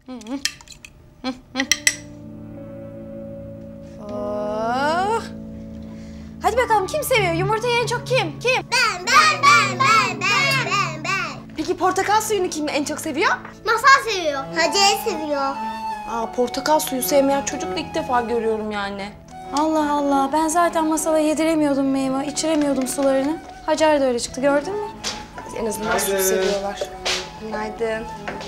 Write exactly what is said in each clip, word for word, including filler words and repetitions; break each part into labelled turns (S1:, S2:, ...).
S1: Oh. Hadi bakalım kim seviyor? Yumurtayı en çok kim? Kim?
S2: Ben, ben, ben, ben, ben, ben, ben.
S1: Peki portakal suyunu kim en çok seviyor?
S2: Masal seviyor. Hacer seviyor.
S1: Aa, portakal suyu sevmeyen çocuk da ilk defa görüyorum yani.
S3: Allah Allah, ben zaten Masal'a yediremiyordum meyve, içiremiyordum sularını. Hacer de öyle çıktı, gördün mü?
S1: En azından süt seviyorlar. Günaydın.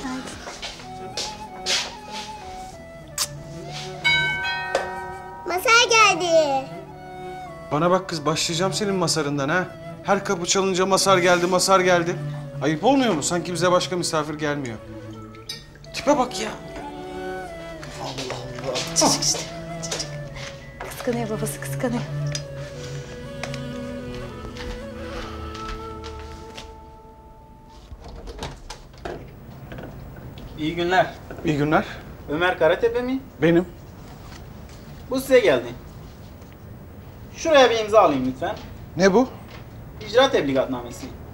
S2: Masal geldi.
S4: Bana bak kız, başlayacağım senin masarından ha. Her kapı çalınca masar geldi, masar geldi. Ayıp olmuyor mu? Sanki bize başka misafir gelmiyor. Tipe bak ya. Allah Allah.
S3: Çocuk işte, çocuk. Kıskanıyor babası, kıskanıyor.
S5: İyi günler.
S4: İyi günler.
S5: Ömer Karatepe mi?
S4: Benim.
S5: Bu size geldi. Şuraya bir imza alayım lütfen.
S4: Ne bu?
S5: İcra tebligatnamesi.